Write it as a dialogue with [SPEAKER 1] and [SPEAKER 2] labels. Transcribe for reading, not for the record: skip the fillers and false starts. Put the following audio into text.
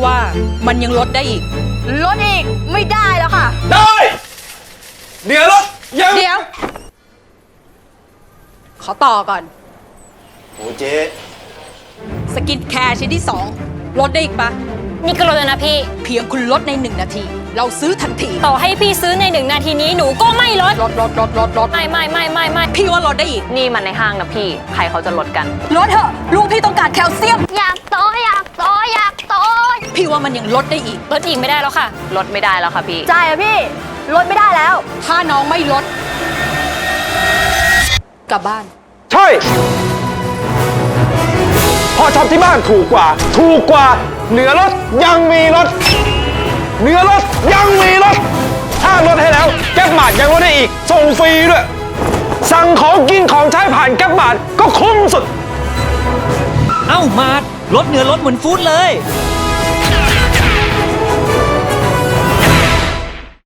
[SPEAKER 1] ว่ามันยังลดได้อีก
[SPEAKER 2] ลดอีกไม่ได้แล้วค่ะ
[SPEAKER 3] ได้เดี๋ยวรถยัง
[SPEAKER 1] เดี๋ยว ขอต่อก่อน
[SPEAKER 3] โอ้เจ๊
[SPEAKER 1] สกินแคร์ชิ้นที่ 2 ลดได้อีกปะ
[SPEAKER 4] นี่ก็ลดแล้วนะพี่
[SPEAKER 1] เพียงคุณลดใน1 นาที เราซื้อทันที
[SPEAKER 4] ต่อให้พี่ซื้อใน1 นาทีนี้หนูก็ไม่ลด
[SPEAKER 1] ลด
[SPEAKER 4] ไม่
[SPEAKER 1] พี่ว่าลดได้อีก
[SPEAKER 2] นี่มันในห้างนะพี่ ใครเขาจะลดกัน
[SPEAKER 1] ลดเถอะลูกพี่ต้องการแคลเซียม
[SPEAKER 4] อยากโตอยากโตอยากโต
[SPEAKER 1] พี่ว่ามันยังลดได้อีก
[SPEAKER 4] ลดอีกไม่ได้แล้วค่ะ
[SPEAKER 2] ลดไม่ได้แล้วค่ะพี่
[SPEAKER 5] ใช่อะพี่ ลดไม่ได้แล้ว
[SPEAKER 1] ถ้าน้องไม่ลด กลับบ้าน
[SPEAKER 3] ใช่พ่อชอบที่บ้านถูกกว่าเหนือรถยังมีรถเหนือรถยังมีรถถ้าลดให้แล้วแก๊ปมาดยังลดได้อีกส่งฟรีด้วยสั่งของกินของใช้ผ่านแก๊ปมาดก็คุ้มสุด
[SPEAKER 6] เอ้ามาดลดเนื้อลดเหมือนฟู้ดเลย